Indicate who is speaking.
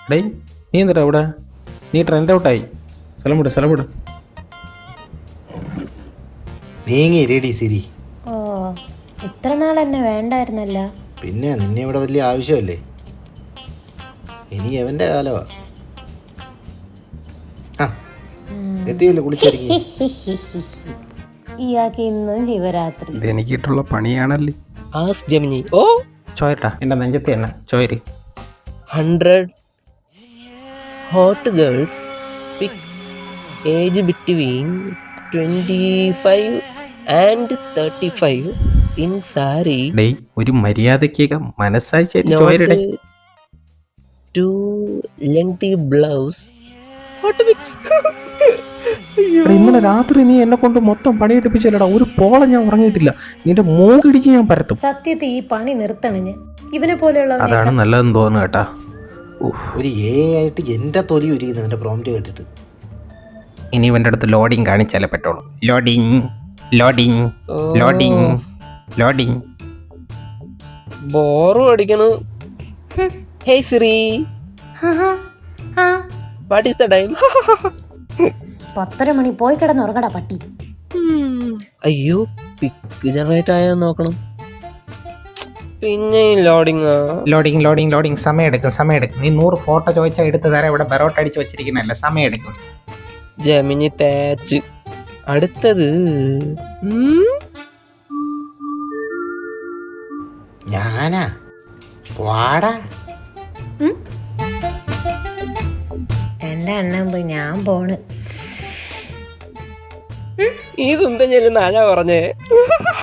Speaker 1: ഡേയ് നീ എന്തിട്ടാ ഇവിടെ? നീ ട്രെൻഡ് ഔട്ടായി. സ്ഥലം വിട്.
Speaker 2: നീങ്ങി റെഡി സിരി.
Speaker 3: ഓ, ഇത്ര നാൾ എന്നെ വേണ്ടായിരുന്നല്ല.
Speaker 2: പിന്നെ നിന്നെ ഇവിടെ വലിയ ആവശ്യമല്ലേ? ഇനി എവന്റെ കാലമാ. എത്തിയല്ലേ കുളിച്ചൊരുങ്ങി?
Speaker 3: ഇയാൾക്ക് ഇന്നും ശിവരാത്രി.
Speaker 1: ഇത് എനിക്കിട്ടുള്ള പണിയാണല്ലേ.
Speaker 4: As Gemini. ഓ
Speaker 1: ചോയട്ടാ എൻ്റെ നെഞ്ചത്ത് തന്നെ ചോയര്.
Speaker 4: 100 hot girls pick age between 25 and 35 in sari.
Speaker 1: ഡേയ് ഒരു മര്യാദയ്ക്ക് മനസ്സായി
Speaker 4: Not
Speaker 1: ചോയരുടെ.
Speaker 4: too lengthy blouse. Hot mix.
Speaker 1: ഇന്നലെ രാത്രി നീ എന്നെ കൊണ്ട് മൊത്തം പണിയെടുപ്പിച്ചല്ലടാ. ഒരു പോളെ ഞാൻ ഉറങ്ങിയിട്ടില്ല. നിന്റെ മൂക്കിടിച്ച് ഞാൻ പരത്തും.
Speaker 3: സത്യത്തിൽ ഈ പണി നിർത്തണിന്. ഇവനെ പോലെയുള്ള
Speaker 1: അതാണ് നല്ലതെന്ന് തോന്നുന്നു കേട്ടാ.
Speaker 2: ഒരു ആയിട്ട് എന്റെ തൊലി ഉരിക്കുന്നു അവന്റെ പ്രോംപ്റ്റ് കേട്ടിട്ട്.
Speaker 1: ഇനി ഇവൻ്റെ അടുത്ത് ലോഡിങ് കാണിച്ചാലേ പറ്റുള്ളൂ. ലോഡിങ്.
Speaker 4: ബോറും അടിക്കണു. Hey Siri, what is the time?
Speaker 3: 10:30 മണി. പോയി കിടന്നുറങ്ങടാ പട്ടി.
Speaker 4: അയ്യോ, പിക്ക് ജനറേറ്റ് ആയാൽ നോക്കണം. പിന്നെ
Speaker 1: ലോഡിങ് സമയം എടുക്കും. നീ 100 ഫോട്ടോ ചോദിച്ചാൽ എടുത്ത് തരാം. ഇവിടെ ബെറോട്ട് അടിച്ച് വെച്ചിരിക്കുന്നല്ല, സമയം എടുക്കും.
Speaker 4: ജെമിനി തേച്ച്. അടുത്തത്
Speaker 2: ഞാനാ വാടാ.
Speaker 3: എന്റെ അണ്ണൻ പോയി, ഞാൻ പോണ്.
Speaker 4: ഈ സുന്ദരം ചെല്ലുന്ന ആരാ പറഞ്ഞേ?